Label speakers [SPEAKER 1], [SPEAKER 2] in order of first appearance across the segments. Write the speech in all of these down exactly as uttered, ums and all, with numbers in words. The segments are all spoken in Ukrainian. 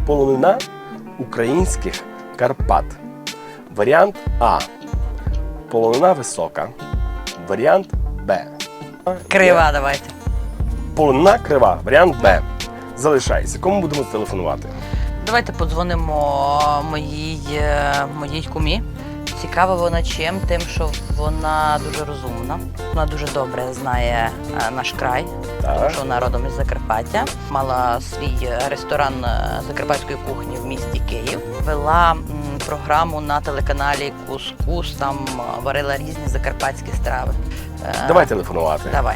[SPEAKER 1] полонина українських Карпат. Варіант А. Полонина висока. Варіант Б.
[SPEAKER 2] Крива давайте.
[SPEAKER 1] Полонина крива. Варіант Б. Залишайся. Кому будемо телефонувати?
[SPEAKER 2] Давайте подзвонимо моїй, е, моїй кумі. Цікава вона чим? Тим, що вона дуже розумна. Вона дуже добре знає е, наш край,
[SPEAKER 1] Так.
[SPEAKER 2] тому що вона родом із Закарпаття. Мала свій ресторан е, закарпатської кухні в місті Київ. Вела м, програму на телеканалі Кус-Кус, там е, варила різні закарпатські страви. Е,
[SPEAKER 1] Давай телефонувати.
[SPEAKER 2] Давай.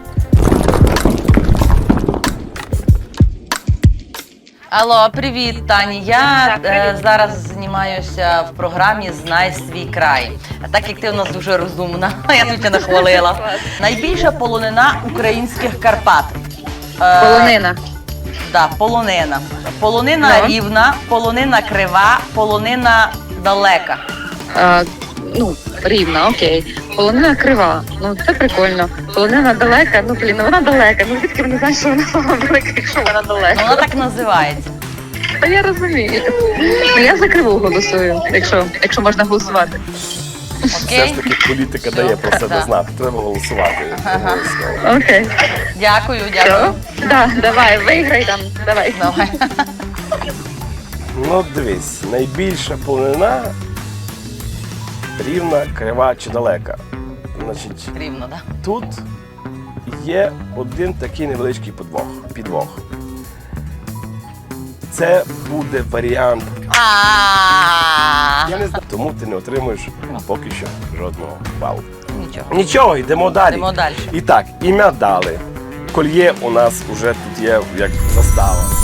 [SPEAKER 2] Алло, привіт, Тані. Я е, зараз знімаюся в програмі «Знай свій край». Так як ти у нас дуже розумна, я тут тебе нахвалила. Найбільша полонина українських Карпат. Е,
[SPEAKER 3] Полонина.
[SPEAKER 2] Да, полонина. Полонина
[SPEAKER 3] Ну.
[SPEAKER 2] рівна, полонина крива, полонина далека.
[SPEAKER 3] А, ну, рівна, окей. Полонина крива. Ну, це прикольно. Полонина далека, ну, блін, ну вона далека. Ну, звідки вони знають, що вона велика, якщо вона
[SPEAKER 2] Ну,
[SPEAKER 3] далека?
[SPEAKER 2] вона так називається.
[SPEAKER 3] Та я розумію. Ну, я за криву голосую, якщо, якщо можна голосувати.
[SPEAKER 1] Все
[SPEAKER 2] Окей?
[SPEAKER 1] ж таки політика дає про себе
[SPEAKER 2] Да.
[SPEAKER 1] знати. Треба голосувати. Обов'язково.
[SPEAKER 3] Окей.
[SPEAKER 2] Дякую,
[SPEAKER 3] Що?
[SPEAKER 2] дякую.
[SPEAKER 3] Да, давай, виграй там, давай.
[SPEAKER 2] Давай.
[SPEAKER 1] Ну, дивись, найбільша полонина рівна, крива чи далека. Значить,
[SPEAKER 2] Рівно, так?
[SPEAKER 1] тут є один такий невеличкий подвох, підвох. Це буде варіант.
[SPEAKER 2] А
[SPEAKER 1] Я не знаю, тому ти не отримуєш поки що жодного балу.
[SPEAKER 2] Нічого.
[SPEAKER 1] Нічого, йдемо далі.
[SPEAKER 2] Йдемо далі.
[SPEAKER 1] І так, ім'я дали. Кольє у нас вже тут є як застава.